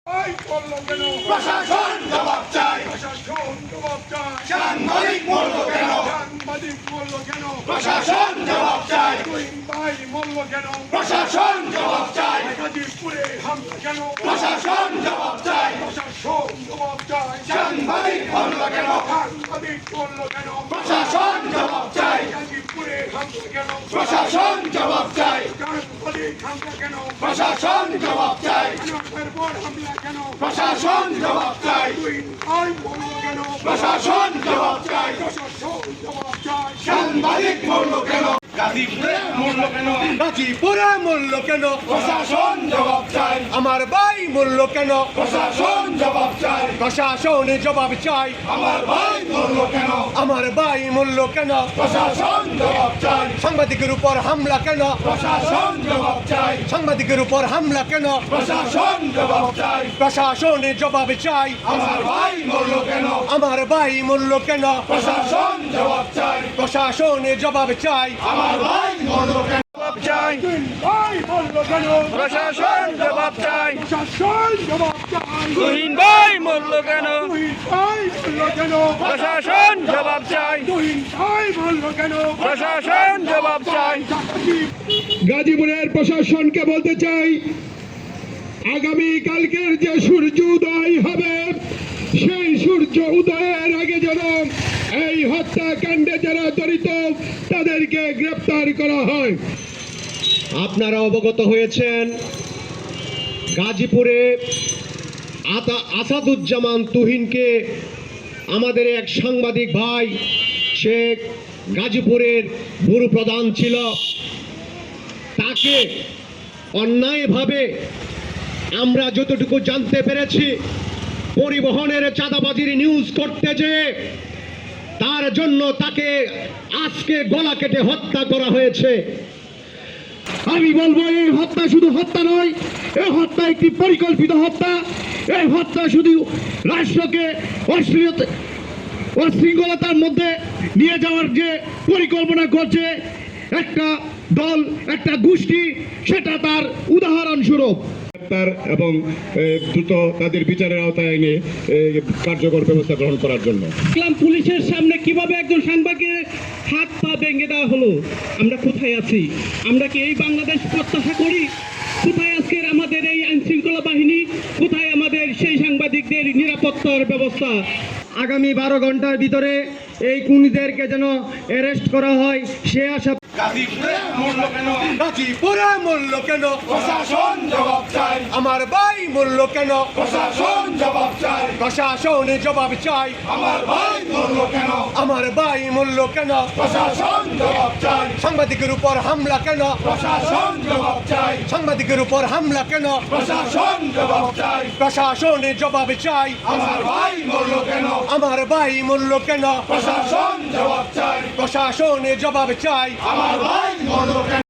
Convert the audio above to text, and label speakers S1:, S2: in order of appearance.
S1: প্রশাসন জবাব চাই, সাংবাদিক মূল্য কেন, প্রশাসন জবাব চাই, প্রশাসন জবাব চাই, প্রশাসন জবাব চাই, সাংবাদিক মূল্য কেন, প্রশাসন জবাব চাই, প্রশাসন জবাব চাই, প্রশাসন জবাব চাই, প্রশাসন জবাব চাই, প্রশাসন জবাব চাই, সাংবাদিক মূল্য কেন, গাজীপুরে মূল্য কেন,
S2: গাজীপুরে মূল্য কেন,
S1: প্রশাসন জবাব চাই,
S2: আমার ভাই মূল্য কেন,
S1: প্রশাসন জবাব চাই,
S2: প্রশাসনে জবাব চাই,
S1: আমার ভাই মূল্য কেন,
S2: আমার ভাই মূল্য কেন,
S1: প্রশাসন জবাব চাই,
S2: সাংবাদিকের উপর হামলা কেন,
S1: প্রশাসন জবাব চাই,
S2: সাংবাদিকের উপর হামলা কেন,
S1: প্রশাসন জবাব চাই,
S2: প্রশাসনে জবাব চাই,
S1: আমার ভাই মূল্য কেন,
S2: আমার ভাই মূল্য কেন,
S1: প্রশাসন জবাব চাই,
S2: প্রশাসনে জবাব চাই,
S1: আমার ভাই মূল্য কেন,
S2: জবাব চাই, প্রশাসন জবাব চাই, তুহিন ভাই মূল্য কেন, প্রশাসন জবাব চাই, প্রশাসন জবাব চাই।
S3: গাজীপুরের প্রশাসনকে বলতে চাই, আগামী কালকের যে সূর্য উদয় হবে সেই সূর্য উদয়ের আগে যেন এই হত্যাকাণ্ডে যারা জড়িত তাদেরকে গ্রেপ্তার করা হয়। আপনারা অবগত হয়েছেন, গাজীপুরে আসাদুজ্জামান তুহিনকে আমাদের এক সাংবাদিক ভাই, সে গাজীপুরের ব্যুরো প্রধান ছিল, তাকে অন্যায়ভাবে আমরা যতটুকু জানতে পেরেছি পরিবহনের চাঁদাবাজির নিউজ করতে যেয়ে তার জন্য তাকে আজকে গলা কেটে হত্যা করা হয়েছে। আমি বলবো, এই হত্যা শুধু হত্যা নয়, এই হত্যা একটি পরিকল্পিত হত্যা। এই হত্যা শুধু রাষ্ট্রকে অশৃঙ্খলতার মধ্যে নিয়ে যাওয়ার যে পরিকল্পনা করছে একটা দল, একটা গোষ্ঠী, সেটা তার উদাহরণস্বরূপ। এবং দ্রুত তাদের বিচারের আওতায় এনে কার্যকর ব্যবস্থা গ্রহণ করার জন্য
S4: পুলিশের সামনে কিভাবে একজন সাংবাদিকের হাত পা ভেঙে দেওয়া হলো। আমরা কোথায় আছি? আমরা কি এই বাংলাদেশ প্রত্যাশা করি? কোথায় আজকের আমাদের এই আইন শৃঙ্খলা বাহিনী? কোথায় আমাদের সেই সাংবাদিকদের নিরাপত্তার ব্যবস্থা?
S2: আগামী 12 ঘন্টার ভিতরে এই খুনিদেরকে যেন অ্যারেস্ট করা হয় সে আশা।
S1: গাজীপুরে মূল্য কেন,
S2: গাজীপুরে মূল্য কেন,
S1: প্রশাসন জবাব চাই,
S2: আমার ভাই মূল্য কেন,
S1: প্রশাসন জবাব চাই,
S2: প্রশাসনে জবাব চাই,
S1: আমার ভাই মূল্য কেন,
S2: আমার ভাই মূল্য কেন,
S1: প্রশাসন জবাব চাই,
S2: সাংবাদিকের উপর হামলা কেন,
S1: প্রশাসন জবাব চাই,
S2: সাংবাদিকের উপর হামলা কেন,
S1: প্রশাসন জবাব চাই,
S2: প্রশাসনে জবাব চাই,
S1: আমার ভাই মূল্য কেন,
S2: আমার ভাই মূল্য কেন,
S1: প্রশাসন জবাব চাই,
S2: প্রশাসনে জবাব চাই,
S1: আমার ভাই মূল্য কেন।